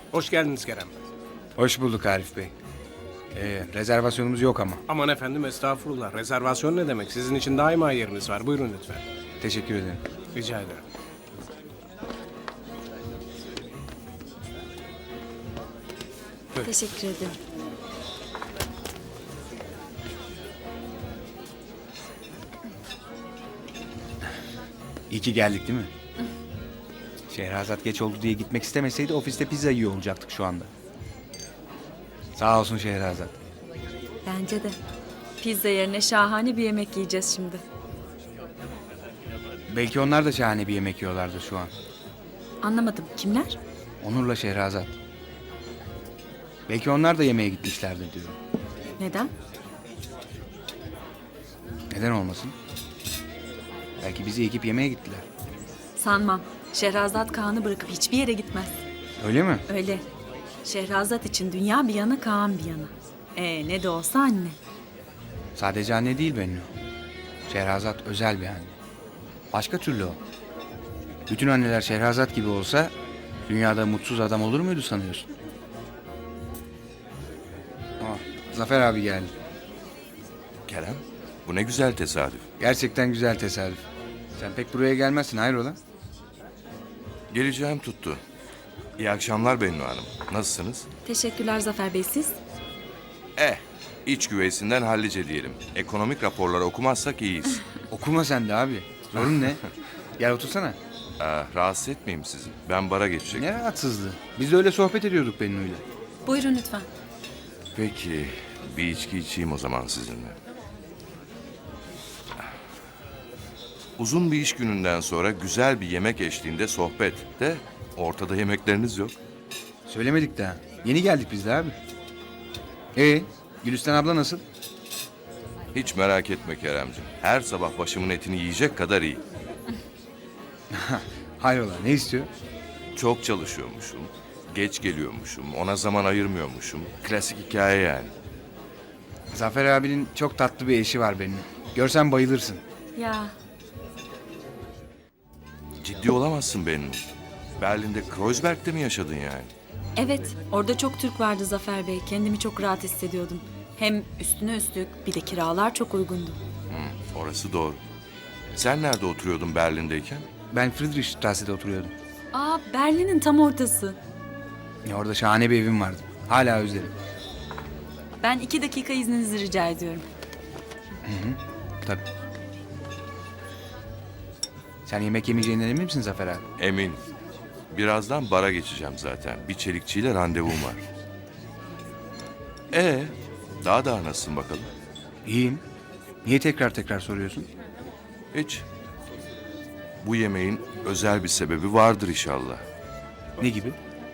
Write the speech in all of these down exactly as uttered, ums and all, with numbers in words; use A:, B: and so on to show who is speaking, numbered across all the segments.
A: Hoş geldiniz Kerem Bey.
B: Hoş bulduk Arif Bey. Ee, rezervasyonumuz yok ama.
A: Aman efendim estağfurullah. Rezervasyon ne demek? Sizin için daima yeriniz var. Buyurun lütfen.
B: Teşekkür ederim.
A: Rica ederim.
C: Teşekkür ederim.
B: İyi ki geldik değil mi? Şehrazat geç oldu diye gitmek istemeseydi ofiste pizza yiyor olacaktık şu anda. Sağ olsun Şehrazat.
C: Bence de. Pizza yerine şahane bir yemek yiyeceğiz şimdi.
B: Belki onlar da şahane bir yemek yiyorlardır şu an.
C: Anlamadım. Kimler?
B: Onur'la Şehrazat. Belki onlar da yemeğe gitmişlerdir diyorum.
C: Neden?
B: Neden olmasın? Belki bizi ekip yemeğe gittiler.
C: Sanmam. Şehrazat Kaan'ı bırakıp hiçbir yere gitmez.
B: Öyle mi?
C: Öyle. Şehrazat için dünya bir yana, Kaan bir yana. Ee, ne de olsa anne.
B: Sadece anne değil Bennu. Şehrazat özel bir anne. Başka türlü o. Bütün anneler Şehrazat gibi olsa dünyada mutsuz adam olur muydu sanıyorsun? Aa, Zafer abi geldi.
D: Kerem, bu ne güzel tesadüf.
B: Gerçekten güzel tesadüf. Sen pek buraya gelmezsin hayrola?
D: Geleceğim tuttu. İyi akşamlar Bennu Hanım. Nasılsınız?
C: Teşekkürler Zafer Bey, siz?
D: Eh, iç güveysinden hallice diyelim. Ekonomik raporları okumazsak iyiyiz.
B: Okuma sen de abi. Sorun ne? Gel otursana.
D: Ee, rahatsız etmeyeyim sizi. Ben bara geçecek.
B: Ne rahatsızlığı. Biz de öyle sohbet ediyorduk Bennu'yla.
C: Buyurun lütfen.
D: Peki, bir içki içeyim o zaman sizinle. Uzun bir iş gününden sonra güzel bir yemek eşliğinde sohbet de ortada yemekleriniz yok.
B: Söylemedik daha. Yeni geldik biz de abi. Ee, Gülistan abla nasıl?
D: Hiç merak etme Keremciğim. Her sabah başımın etini yiyecek kadar iyi.
B: Hayrola ne istiyor?
D: Çok çalışıyormuşum, geç geliyormuşum, ona zaman ayırmıyormuşum. Klasik hikaye yani.
B: Zafer abinin çok tatlı bir eşi var Bennu. Görsen bayılırsın.
C: Ya,
D: Ciddi olamazsın benim. Berlin'de Kreuzberg'de mi yaşadın yani?
C: evet. Orada çok Türk vardı Zafer Bey. Kendimi çok rahat hissediyordum. Hem üstüne üstlük bir de kiralar çok uygundu.
D: Orası doğru. Sen nerede oturuyordun Berlin'deyken?
B: Ben Friedrichstrasse'de oturuyordum.
C: Aa, Berlin'in tam ortası.
B: Ya orada şahane bir evim vardı. Hala özlerim.
C: Ben iki dakika izninizi rica ediyorum.
B: Tabii. Sen yemek yemeyeceğinden emin misin Zafer abi?
D: Emin. Birazdan bara geçeceğim zaten. Bir çelikçiyle randevum var. Ee, daha daha nasılsın bakalım?
B: İyiyim. Niye tekrar tekrar soruyorsun?
D: Hiç. Bu yemeğin özel bir sebebi vardır inşallah.
B: Ne gibi?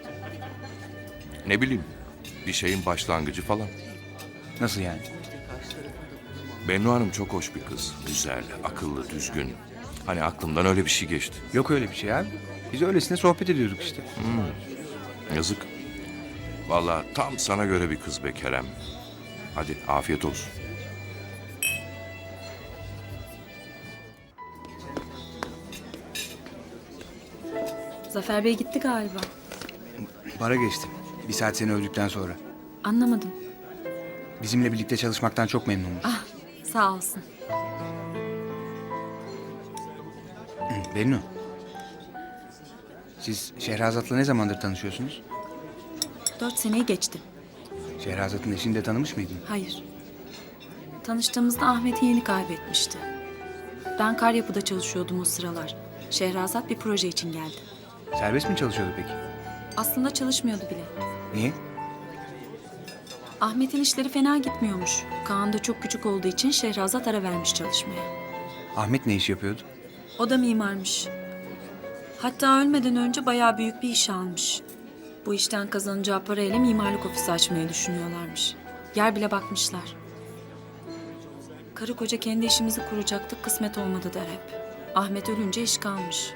D: Ne bileyim, bir şeyin başlangıcı falan.
B: Nasıl yani?
D: Bennu Hanım çok hoş bir kız. Güzel, akıllı, düzgün. Hani aklımdan öyle bir şey geçti.
B: Yok öyle bir şey abi. Biz öylesine sohbet ediyorduk işte.
D: Yazık. Vallahi tam sana göre bir kız be Kerem. Hadi afiyet olsun.
C: Zafer Bey gitti galiba.
B: Bara geçtim. Bir saat seni öldükten sonra.
C: Anlamadım.
B: Bizimle birlikte çalışmaktan çok memnunmuş.
C: Ah, sağ olsun.
B: Hı, Bennu. Siz Şehrazat'la ne zamandır tanışıyorsunuz?
C: Dört seneyi geçti.
B: Şehrazat'ın eşini de tanımış mıydın?
C: Hayır. Tanıştığımızda Ahmet'i yeni kaybetmişti. Ben kar yapıda çalışıyordum o sıralar. Şehrazat bir proje için geldi.
B: Serbest mi çalışıyordu peki?
C: Aslında çalışmıyordu bile.
B: Niye?
C: Ahmet'in işleri fena gitmiyormuş. Kaan da çok küçük olduğu için Şehrazat ara vermiş çalışmaya.
B: Ahmet ne iş yapıyordu?
C: O da mimarmış. Hatta ölmeden önce bayağı büyük bir iş almış. Bu işten kazanacağı parayla mimarlık ofisi açmayı düşünüyorlarmış. Yer bile bakmışlar. Karı koca kendi işimizi kuracaktık, kısmet olmadı der hep. Ahmet ölünce iş kalmış.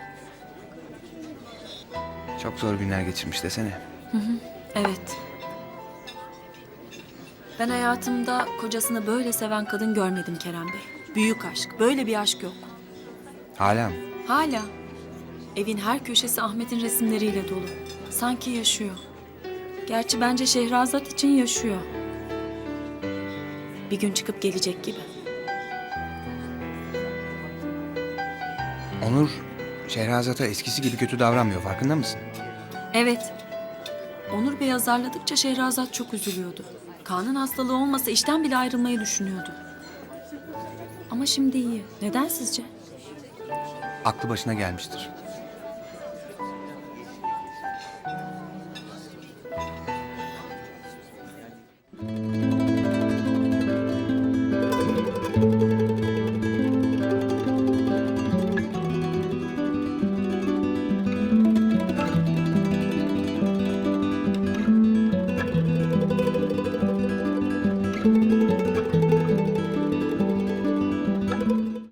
B: Çok zor günler geçirmiş desene.
C: Evet. Ben hayatımda kocasını böyle seven kadın görmedim Kerem Bey. Büyük aşk, böyle bir aşk yok.
B: Hala mı?
C: Hala. Evin her köşesi Ahmet'in resimleriyle dolu. Sanki yaşıyor. Gerçi bence Şehrazat için yaşıyor. Bir gün çıkıp gelecek gibi.
B: Onur, Şehrazat'a eskisi gibi kötü davranmıyor, farkında mısın?
C: Evet. Onur Bey azarladıkça Şehrazat çok üzülüyordu. Kaan'ın hastalığı olmasa işten bile ayrılmayı düşünüyordu. Ama şimdi iyi. Neden sizce?
B: Aklı başına gelmiştir.